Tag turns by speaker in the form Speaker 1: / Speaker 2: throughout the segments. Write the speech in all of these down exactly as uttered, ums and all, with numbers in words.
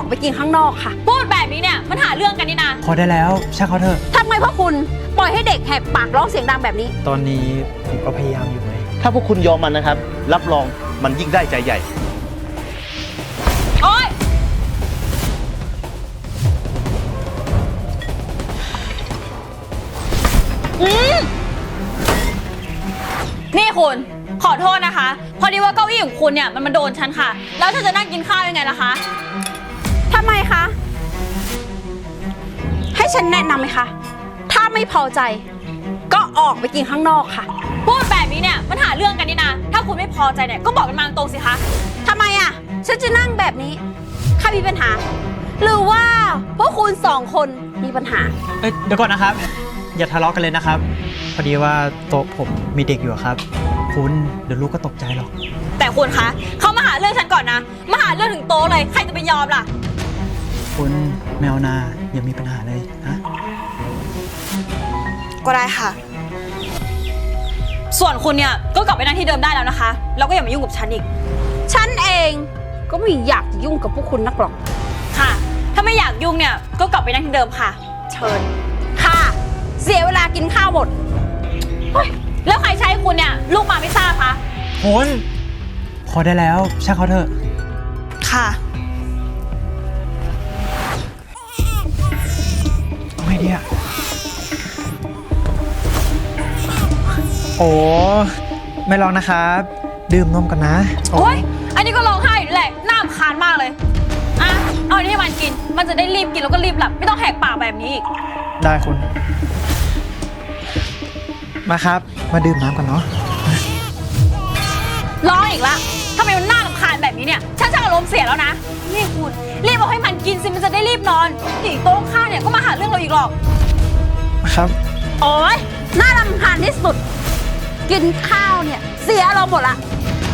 Speaker 1: อกไปกินข้างนอกค่ะ
Speaker 2: พูดแบบนี้เนี่ยมันหาเรื่องกันนี่นะ
Speaker 3: พอได้แล้วช่างเขาเถอะ
Speaker 1: ทำไมพ่อคุณปล่อยให้เด็กแหกปากร้องเสียงดังแบบนี้
Speaker 3: ตอนนี้ผมก็พยายามอยู่ไง
Speaker 4: ถ้าพวกคุณยอมมันนะครับรับรองมันยิ่งได้ใจใหญ่
Speaker 2: โอ๊ยนี่คุณขอโทษนะคะพอดีว่าเก้าอี้ของคุณเนี่ยมันมาโดนฉันค่ะแล้วฉันจะนั่งกินข้าวยังไงล่ะคะ
Speaker 1: ทำไมคะให้ฉันแนะนำไหมคะถ้าไม่พอใจก็ออกไปกินข้างนอกค่ะ
Speaker 2: พูดแบบนี้เนี่ยมันหาเรื่องกันนี่นะถ้าคุณไม่พอใจเนี่ยก็บอกกันมาตรงสิคะ
Speaker 1: ทำไมอ่ะฉันจะนั่งแบบนี้ใครมีปัญหาหรือว่าพวกคุณสองคนมีปัญหา
Speaker 3: เอ้ยเดี๋ยวก่อนนะครับอย่าทะเลาะกันเลยนะครับพอดีว่าโต๊ะผมมีเด็กอยู่ครับคุณเดี๋ยวลูกก็ตกใจหรอก
Speaker 2: แต่คุณคะเขามาหาเรื่องฉันก่อนนะมาหาเรื่องถึงโต๊ะเลยใครจะไปยอมล่ะ
Speaker 3: คุณแมวนาอย่ามีปัญหาเลยนะ
Speaker 2: ก็ได้ค่ะส่วนคุณเนี่ยก็กลับไปนั่งที่เดิมได้แล้วนะคะแล้วก็อย่ามายุ่งกับฉันอีก
Speaker 1: ฉันเองก็ไม่อยากยุ่งกับพวกคุณนักหรอก
Speaker 2: ค่ะถ้าไม่อยากยุ่งเนี่ยก็กลับไปนั่งที่เดิมค่ะเชิญ
Speaker 1: ค่ะเสียเวลากินข้าวหมด
Speaker 2: แล้วใครใช้คุณเนี่ยลูกมาไม่ทราบคะ
Speaker 3: คุณพอได้แล้วช่างเขาเถอะ
Speaker 2: ค่ะ
Speaker 3: ไม่เนี่ยโอ้ไม่ลองนะครับดื่มนมกันนะ
Speaker 2: โอ้ยอันนี้ก็ร้องไห้อยู่แหละน่ารำคาญมากเลยอ่ะเอาอันนี้ให้มันกินมันจะได้รีบกินแล้วก็รีบหลับไม่ต้องแหกปากแบบนี้อีก
Speaker 3: ได้คุณมาครับมาดื่มน้ำกันเนาะ
Speaker 2: ร้องอีกละทำไมมันน่ารำคาญแบบนี้เนี่ยฉันจะอารมณ์เสียแล้วนะนี่คุณรีบเอาให้มันกินสิมันจะได้รีบนอนอีกโต๊ะข้างเนี่ยก็มาหาเรื่องเราอีกหรอก
Speaker 3: ครับ
Speaker 1: โอ๊ยน่ารำคาญที่สุดกินข้าวเนี่ยเสียเราหมดละ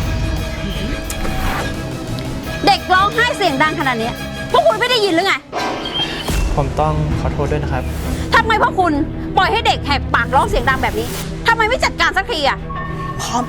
Speaker 1: เด็กร้องไห้เสียงดังขนาดนี้พวกคุณไม่ได้ยินหรือไง
Speaker 3: ผมต้องขอโทษด้วยนะครับ
Speaker 1: ทำไมพวกคุณปล่อยให้เด็กแหกปากร้องเสียงดังแบบนี้ทำไมไม่จัดการสักทีอ่ะ
Speaker 3: พร้อม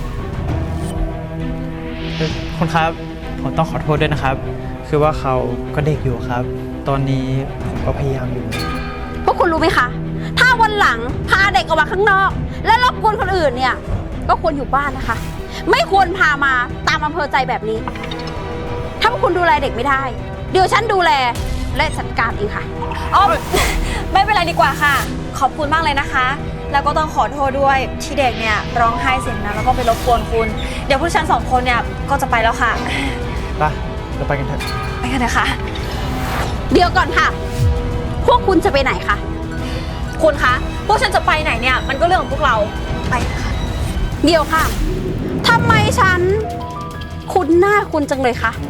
Speaker 3: คุณครับผมต้องขอโทษด้วยนะครับคือว่าเขาก็เด็กอยู่ครับตอนนี้ผมก็พยายามอยู่
Speaker 1: พวกคุณรู้ไหมคะถ้าวันหลังพาเด็กออกมาข้างนอกและรบกวนคนอื่นเนี่ยก็ควรอยู่บ้านนะคะไม่ควรพามาตามอำเภอใจแบบนี้ถ้าพวกคุณดูแลเด็กไม่ได้เดี๋ยวฉันดูแลและจัดการเองค่ะ
Speaker 2: อ๋อไม่เป็นไรดีกว่าค่ะขอบคุณมากเลยนะคะแล้วก็ต้องขอโทษด้วยที่เด็กเนี่ยร้องไห้เสียงดังแล้วก็ไปรบกวนคุณเดี๋ยวพวกฉันสองคนเนี่ยก็จะไปแล้วค่ะ
Speaker 3: ไปเราไปกันเถอะ
Speaker 2: ไปกันเถอะค่ะ
Speaker 1: เดี๋ยวก่อนค่ะพวกคุณจะไปไหนคะ
Speaker 2: คุณคะพวกฉันจะไปไหนเนี่ยมันก็เรื่องของพวกเราไปค่ะ
Speaker 1: เดี๋ยวค่ะทำไมฉันคุณหน้าคุณจังเลยคะ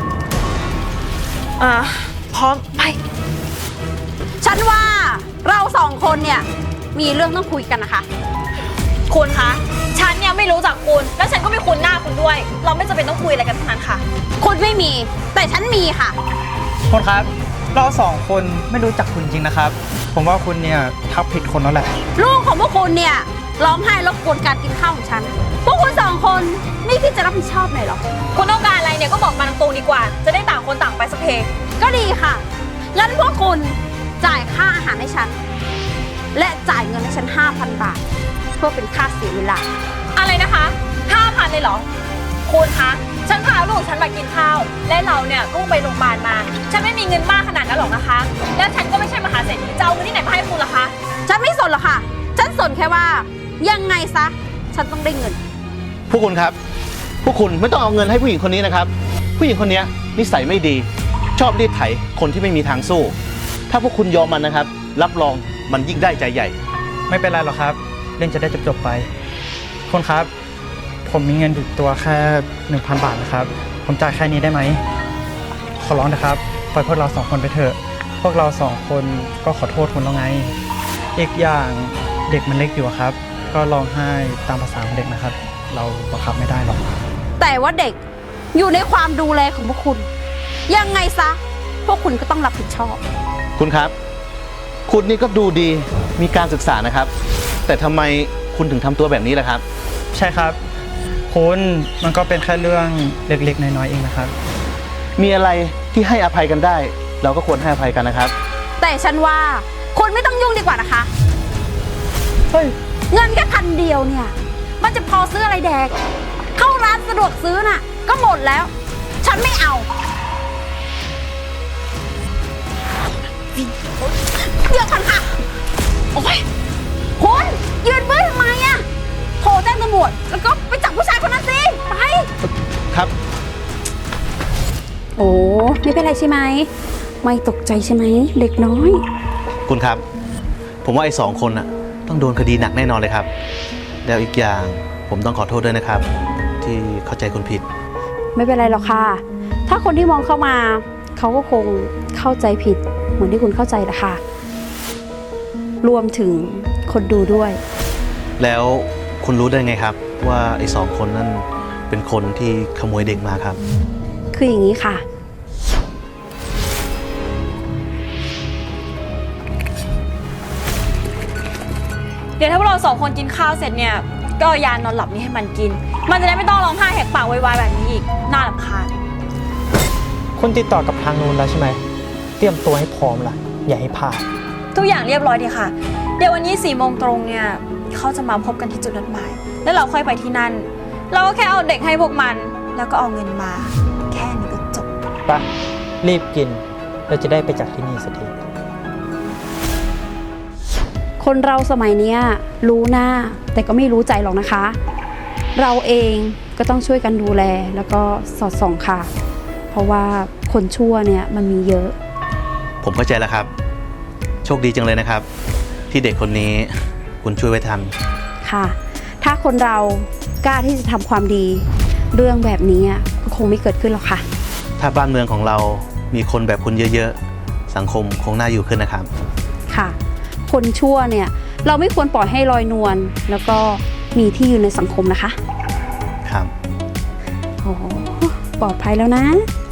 Speaker 2: อ่าพร้อมไป
Speaker 1: ฉันว่าเราสองคนเนี่ยมีเรื่องต้องคุยกันนะคะ
Speaker 2: คุณคะฉันเนี่ยไม่รู้จักคุณแล้วฉันก็ไม่คุ้นหน้าคุณด้วยเราไม่จำเป็นต้องคุยอะไรกันทั้งนั้นค่ะ
Speaker 1: คุณไม่มีแต่ฉันมีค่ะ
Speaker 3: คุณครับเราสองคนไม่รู้จักคุณจริงนะครับผมว่าคุณเนี่ยทับผิดคนแล้วแหละ
Speaker 1: ลูกของพวกคุณเนี่ยร้องไห้รบกวนการกินข้าวของฉันพวกคุณสองคนไม่คิดจะรับผิดชอบหน่อยหรอ
Speaker 2: คุณต้องการอะไรเนี่ยก็บอกมาตรงๆดีกว่าจะได้ต่างคนต่างไปสักเพ
Speaker 1: ก็ดีค่ะงั้นพวกคุณจ่ายค่าอาหารให้ฉันและจ่ายเงินให้ฉัน ห้าพัน บาทเพื่อเป็นค่าเสียเวลา
Speaker 2: อะไรนะคะ ห้าพัน เลยเหรอคุณคะฉันพาลูกฉันมากินข้าวและเราเนี่ยก็ไปโรงพยาบาลมาฉันไม่มีเงินมากขนาดนั้นหรอกนะคะและฉันก็ไม่ใช่มหาเศรษฐีจะเอาเงินที่ไหนมาให้คุณล่ะคะ
Speaker 1: ฉันไม่สนหรอกค่ะฉันสนแค่ว่ายังไงซะฉันต้องได้เงิน
Speaker 4: พวกคุณครับพวกคุณไม่ต้องเอาเงินให้ผู้หญิงคนนี้นะครับผู้หญิงคนนี้นิสัยไม่ดีชอบรีดไถคนที่ไม่มีทางสู้ถ้าพวกคุณยอมมันนะครับรับรองมันยิ่งได้ใจใหญ่
Speaker 3: ไม่เป็นไรหรอกครับเรื่องจะได้จบๆไปคนครับผมมีเงินอยู่ตัวแค่ หนึ่งพัน บาทนะครับผมจ่ายแค่นี้ได้ไหมขอร้องนะครับปล่อยพวกเราสองคนไปเถอะพวกเราสองคนก็ขอโทษคุณแล้วไงอีกอย่างเด็กมันเล็กอยู่ครับก็ร้องไห้ตามภาษาของเด็กนะครับเราบังคับไม่ได้หรอก
Speaker 1: แต่ว่าเด็กอยู่ในความดูแลของพวกคุณยังไงซะพวกคุณก็ต้องรับผิดชอบ
Speaker 4: คุณครับคุณนี่ก็ดูดีมีการศึกษานะครับแต่ทำไมคุณถึงทำตัวแบบนี้ล่ะครับ
Speaker 3: ใช่ครับคุณมันก็เป็นแค่เรื่องเล็กๆน้อยๆเองนะครับ
Speaker 4: มีอะไรที่ให้อภัยกันได้ เราก็ควรให้อภัยกันนะครับ
Speaker 1: แต่ฉันว่าคุณไม่ต้องยุ่งดีกว่านะคะ
Speaker 3: เฮ้ย
Speaker 1: เงินแค่พันเดียวเนี่ย มันจะพอซื้ออะไรแดก เข้าร้านสะดวกซื้อน่ะ ก็หมดแล้ว ฉันไม่เอา เดี๋ยวก่อนค่ะ โอ้ยคุณยืนเบื้อทำไมอะโทรแจ้งตำรวจแล้วก็ไปจับผู้ชายคนนั้นสิ ไป
Speaker 4: ครับ
Speaker 1: โอ้ไม่เป็นไรใช่ไหม ไม่ตกใจใช่ไหมเด็กน้อย
Speaker 4: คุณครับ ผมว่าไอ้สองคนน่ะต้องโดนคดีหนักแน่นอนเลยครับ แล้วอีกอย่างผมต้องขอโทษด้วยนะครับ ที่เข้าใจคุณผิด
Speaker 1: ไม่เป็นไรหรอกค่ะ ถ้าคนที่มองเข้ามา เขาก็คงเข้าใจผิด เหมือนที่คุณเข้าใจแหละค่ะ รวมถึงคนดูด้วย
Speaker 4: แล้วคุณรู้ได้ไงครับ ว่าไอ้สองคนนั่นเป็นคนที่ขโมยเด็กมาครับ
Speaker 1: คืออย่างนี้ค่ะ
Speaker 2: เดี๋ยวถ้าพวกเราสองคนกินข้าวเสร็จเนี่ย ก็เอายานอนหลับนี้ให้มันกิน มันจะได้ไม่ต้องร้องไห้แหกปากไวๆแบบนี้อีก น่ารำคาญ
Speaker 3: คุณติดต่อกับทางนู้นแล้วใช่ไหม เตรียมตัวให้พร้อมล่ะ อย่าให้พลาด
Speaker 2: ทุกอย่างเรียบร้อยดีค่ะ เดี๋ยววันนี้สี่โมงตรงเนี่ยเขาจะมาพบกันที่จุดนัดหมาย แล้วเราค่อยไปที่นั่น เราก็แค่เอาเด็กให้พวกมัน แล้วก็เอาเงินมา แค่นี้ก็จบ
Speaker 3: ไป รีบกิน เราจะได้ไปจากที่นี่สักที
Speaker 1: คนเราสมัยเนี้ยรู้หน้าแต่ก็ไม่รู้ใจหรอกนะคะ เราเองก็ต้องช่วยกันดูแลแล้วก็สอดส่องค่ะ เพราะว่าคนชั่วเนี่ยมันมีเยอะ
Speaker 4: ผมเข้าใจแล้วครับ โชคดีจังเลยนะครับ ที่เด็กคนนี้คุณช่วยไว้ทัน
Speaker 1: ค่ะ ถ้าคนเรากล้าที่จะทำความดี เรื่องแบบนี้ก็คงไม่เกิดขึ้นหรอกค่ะ
Speaker 4: ถ้าบ้านเมืองของเรามีคนแบบคุณเยอะๆ สังคมคงน่าอยู่ขึ้นนะครับ
Speaker 1: ค่ะ คนชั่วเนี่ยเราไม่ควรปล่อยให้ลอยนวลแล้วก็มีที่อยู่ในสังคมนะคะ
Speaker 4: ครับ
Speaker 1: โอ้ปลอดภัยแล้วนะ